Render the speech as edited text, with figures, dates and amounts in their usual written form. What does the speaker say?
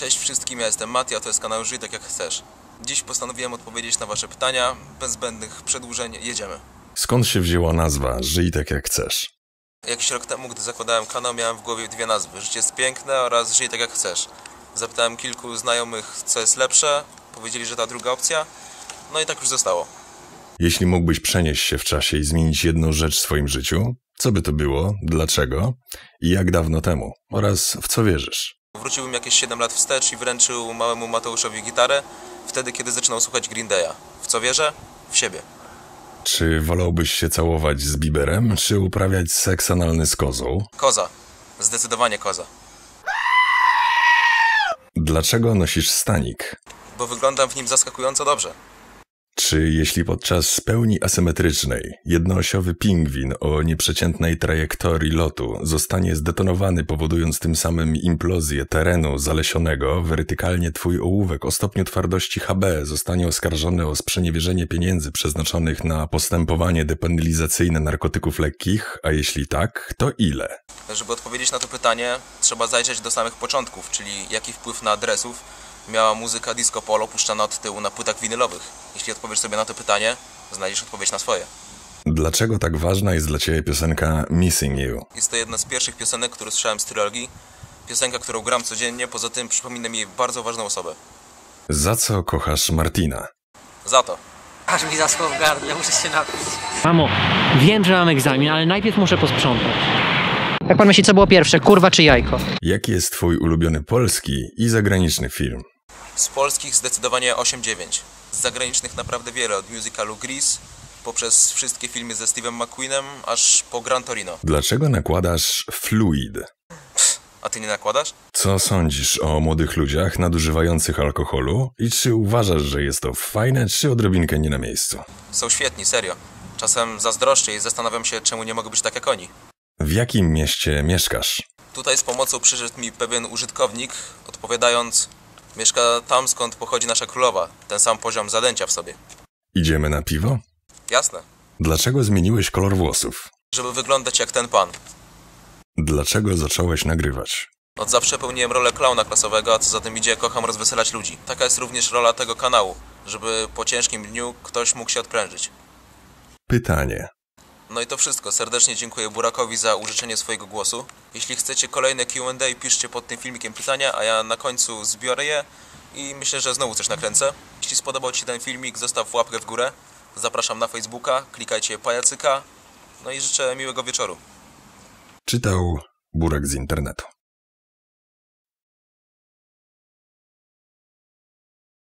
Cześć wszystkim, ja jestem Mati, a to jest kanał Żyj tak jak chcesz. Dziś postanowiłem odpowiedzieć na wasze pytania, bez zbędnych przedłużeń, jedziemy. Skąd się wzięła nazwa Żyj tak jak chcesz? Jakiś rok temu, gdy zakładałem kanał, miałem w głowie dwie nazwy: Życie jest piękne oraz Żyj tak jak chcesz. Zapytałem kilku znajomych, co jest lepsze, powiedzieli, że ta druga opcja, no i tak już zostało. Jeśli mógłbyś przenieść się w czasie i zmienić jedną rzecz w swoim życiu, co by to było, dlaczego i jak dawno temu oraz w co wierzysz? Wróciłbym jakieś 7 lat wstecz i wręczył małemu Mateuszowi gitarę, wtedy kiedy zaczynał słuchać Green Day'a. W co wierzę? W siebie. Czy wolałbyś się całować z Bieberem, czy uprawiać seks analny z kozą? Koza. Zdecydowanie koza. Dlaczego nosisz stanik? Bo wyglądam w nim zaskakująco dobrze. Czy jeśli podczas pełni asymetrycznej jednoosiowy pingwin o nieprzeciętnej trajektorii lotu zostanie zdetonowany, powodując tym samym implozję terenu zalesionego, wertykalnie twój ołówek o stopniu twardości Hb zostanie oskarżony o sprzeniewierzenie pieniędzy przeznaczonych na postępowanie depenalizacyjne narkotyków lekkich, a jeśli tak, to ile? Żeby odpowiedzieć na to pytanie, trzeba zajrzeć do samych początków, czyli jaki wpływ na adresów miała muzyka disco polo puszczana od tyłu na płytach winylowych. Jeśli odpowiesz sobie na to pytanie, znajdziesz odpowiedź na swoje. Dlaczego tak ważna jest dla ciebie piosenka Missing You? Jest to jedna z pierwszych piosenek, które słyszałem z trylogii. Piosenka, którą gram codziennie, poza tym przypomina mi bardzo ważną osobę. Za co kochasz Martina? Za to. Aż mi zaschło w gardle, muszę się napić. Mamo, wiem, że mam egzamin, ale najpierw muszę posprzątać. Jak pan myśli, co było pierwsze, kurwa czy jajko? Jaki jest twój ulubiony polski i zagraniczny film? Z polskich zdecydowanie 8-9. Z zagranicznych naprawdę wiele, od musicalu Grease, poprzez wszystkie filmy ze Steve'em McQueenem, aż po Gran Torino. Dlaczego nakładasz fluid? A ty nie nakładasz? Co sądzisz o młodych ludziach nadużywających alkoholu i czy uważasz, że jest to fajne, czy odrobinkę nie na miejscu? Są świetni, serio. Czasem zazdroszczę i zastanawiam się, czemu nie mogę być tak jak oni. W jakim mieście mieszkasz? Tutaj z pomocą przyszedł mi pewien użytkownik, odpowiadając: mieszka tam, skąd pochodzi nasza królowa. Ten sam poziom zadęcia w sobie. Idziemy na piwo? Jasne. Dlaczego zmieniłeś kolor włosów? Żeby wyglądać jak ten pan. Dlaczego zacząłeś nagrywać? Od zawsze pełniłem rolę klauna klasowego, a co za tym idzie, kocham rozweselać ludzi. Taka jest również rola tego kanału, żeby po ciężkim dniu ktoś mógł się odprężyć. Pytanie. No i to wszystko. Serdecznie dziękuję Burakowi za użyczenie swojego głosu. Jeśli chcecie kolejne Q&A, piszcie pod tym filmikiem pytania, a ja na końcu zbiorę je i myślę, że znowu coś nakręcę. Jeśli spodobał ci się ten filmik, zostaw łapkę w górę. Zapraszam na Facebooka, klikajcie pajacyka. No i życzę miłego wieczoru. Czytał Burak z internetu.